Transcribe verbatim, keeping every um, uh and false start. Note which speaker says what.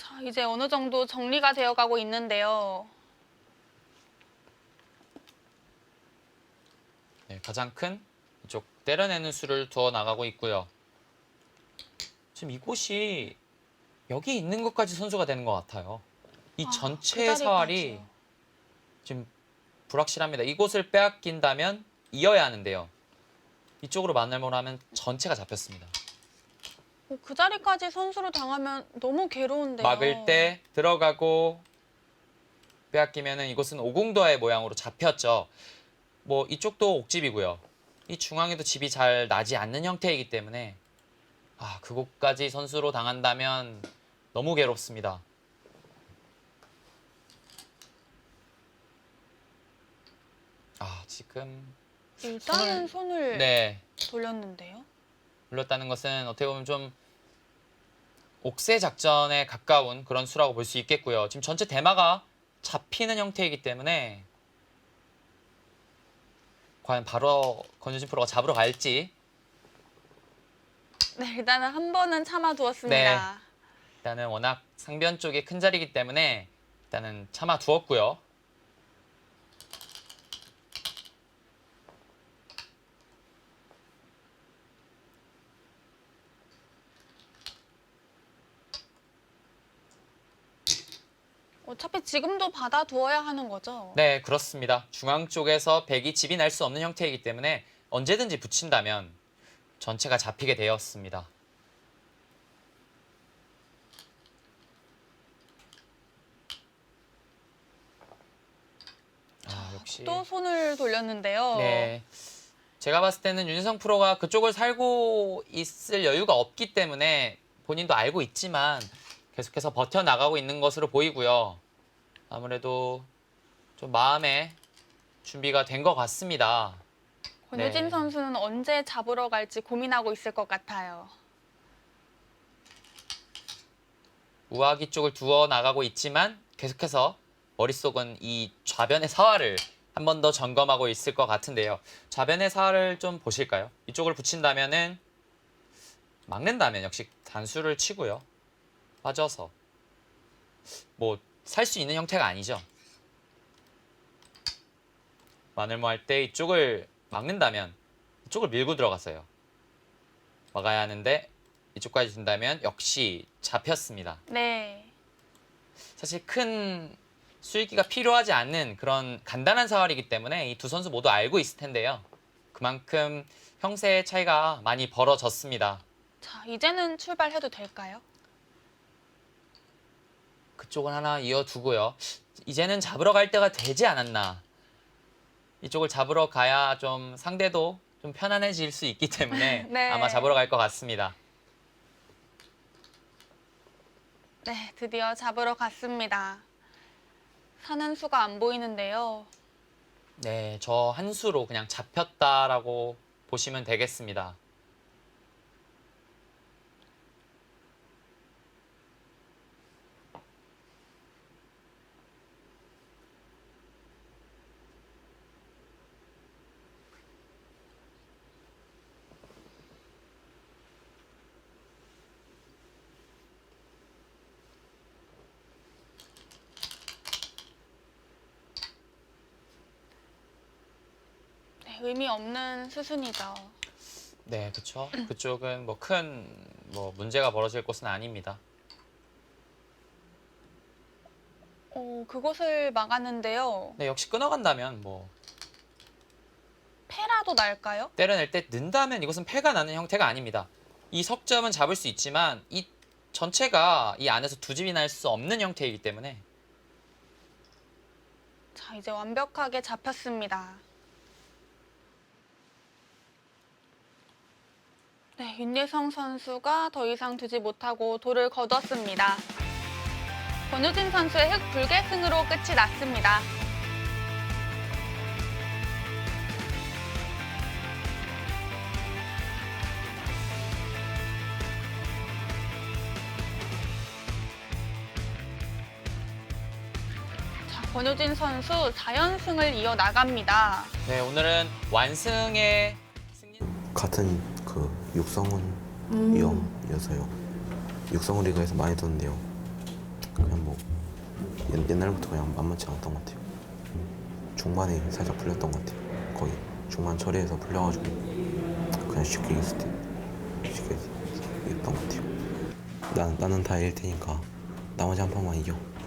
Speaker 1: 자, 이제 어느 정도 정리가 되어가고 있는데요.
Speaker 2: 네, 가장 큰 이쪽 때려내는 수를 두어 나가고 있고요. 지금 이곳이 여기 있는 것까지 선수가 되는 것 같아요. 이
Speaker 1: 아,
Speaker 2: 전체
Speaker 1: 그
Speaker 2: 사활이
Speaker 1: 자리까지요.
Speaker 2: 지금 불확실합니다. 이곳을 빼앗긴다면 이어야 하는데요. 이쪽으로 만날만 하면 전체가 잡혔습니다.
Speaker 1: 어, 그 자리까지 선수로 당하면 너무 괴로운데요.
Speaker 2: 막을 때 들어가고 빼앗기면은 이곳은 오공도의 모양으로 잡혔죠. 뭐 이쪽도 옥집이고요. 이 중앙에도 집이 잘 나지 않는 형태이기 때문에 아, 그곳까지 선수로 당한다면 너무 괴롭습니다. 아, 지금
Speaker 1: 일단은
Speaker 2: 손을-
Speaker 1: 손을
Speaker 2: 네,
Speaker 1: 돌렸는데요.
Speaker 2: 불렀다는 것은 어떻게 보면 좀 옥새 작전에 가까운 그런 수라고 볼 수 있겠고요. 지금 전체 대마가 잡히는 형태이기 때문에 과연 바로 권유진 프로가 잡으러 갈지.
Speaker 1: 네, 일단은 한 번은 참아두었습니다.
Speaker 2: 네. 일단은 워낙 상변 쪽이 큰 자리이기 때문에 일단은 참아 두었고요.
Speaker 1: 어차피 지금도 받아두어야 하는 거죠.
Speaker 2: 네, 그렇습니다. 중앙 쪽에서 백이 집이 날 수 없는 형태이기 때문에 언제든지 붙인다면 전체가 잡히게 되었습니다. 아, 역시.
Speaker 1: 또 손을 돌렸는데요.
Speaker 2: 네. 제가 봤을 때는 윤희성 프로가 그쪽을 살고 있을 여유가 없기 때문에 본인도 알고 있지만 계속해서 버텨나가고 있는 것으로 보이고요. 아무래도 좀 마음에 준비가 된 것 같습니다.
Speaker 1: 권유진
Speaker 2: 네.
Speaker 1: 선수는 언제 잡으러 갈지 고민하고 있을 것 같아요.
Speaker 2: 우아기 쪽을 두어 나가고 있지만 계속해서 머릿속은 이 좌변의 사활을 한 번 더 점검하고 있을 것 같은데요. 좌변의 사활을 좀 보실까요? 이쪽을 붙인다면은 막는다면 역시 단수를 치고요. 빠져서 뭐 살 수 있는 형태가 아니죠. 마늘모 할 때 이쪽을 막는다면 이쪽을 밀고 들어갔어요. 막아야 하는데 이쪽까지 준다면 역시 잡혔습니다.
Speaker 1: 네.
Speaker 2: 사실 큰 수익기가 필요하지 않는 그런 간단한 사활이기 때문에 이 두 선수 모두 알고 있을 텐데요. 그만큼 형세의 차이가 많이 벌어졌습니다.
Speaker 1: 자, 이제는 출발해도 될까요?
Speaker 2: 그쪽은 하나 이어두고요. 이제는 잡으러 갈 때가 되지 않았나. 이쪽을 잡으러 가야 좀 상대도 좀 편안해질 수 있기 때문에
Speaker 1: 네.
Speaker 2: 아마 잡으러 갈 것 같습니다.
Speaker 1: 네, 드디어 잡으러 갔습니다. 사는 수가 안 보이는데요.
Speaker 2: 네, 저 한 수로 그냥 잡혔다라고 보시면 되겠습니다.
Speaker 1: 네, 의미 없는 수순이죠.
Speaker 2: 네, 그렇죠. 그쪽은 뭐 큰 뭐 문제가 벌어질 곳은 아닙니다.
Speaker 1: 어, 그곳을 막았는데요.
Speaker 2: 네, 역시 끊어간다면 뭐
Speaker 1: 패라도 날까요?
Speaker 2: 때려낼 때 는다면 이것은 패가 나는 형태가 아닙니다. 이 석점은 잡을 수 있지만 이 전체가 이 안에서 두 집이 날 수 없는 형태이기 때문에
Speaker 1: 자, 이제 완벽하게 잡혔습니다. 네, 윤예성 선수가 더 이상 두지 못하고 돌을 거뒀습니다. 권우진 선수의 흑 불계승으로 끝이 났습니다. 자, 권우진 선수 사 연승을 이어나갑니다.
Speaker 2: 네, 오늘은 완승의 승리.
Speaker 3: 같은 그 육성훈
Speaker 1: 음.
Speaker 3: 위험이어서요. 육성훈 리그에서 많이 듣는데요. 그냥 뭐 옛, 옛날부터 그냥 만만치 않았던 것 같아요. 중반에 살짝 풀렸던 것 같아요. 거의 중반 처리해서 풀려가지고 그냥 쉽게 이겼을 때 쉽게 이겼던 것 같아요. 나, 나는 다 이길 테니까 나머지 한 판만 이겨.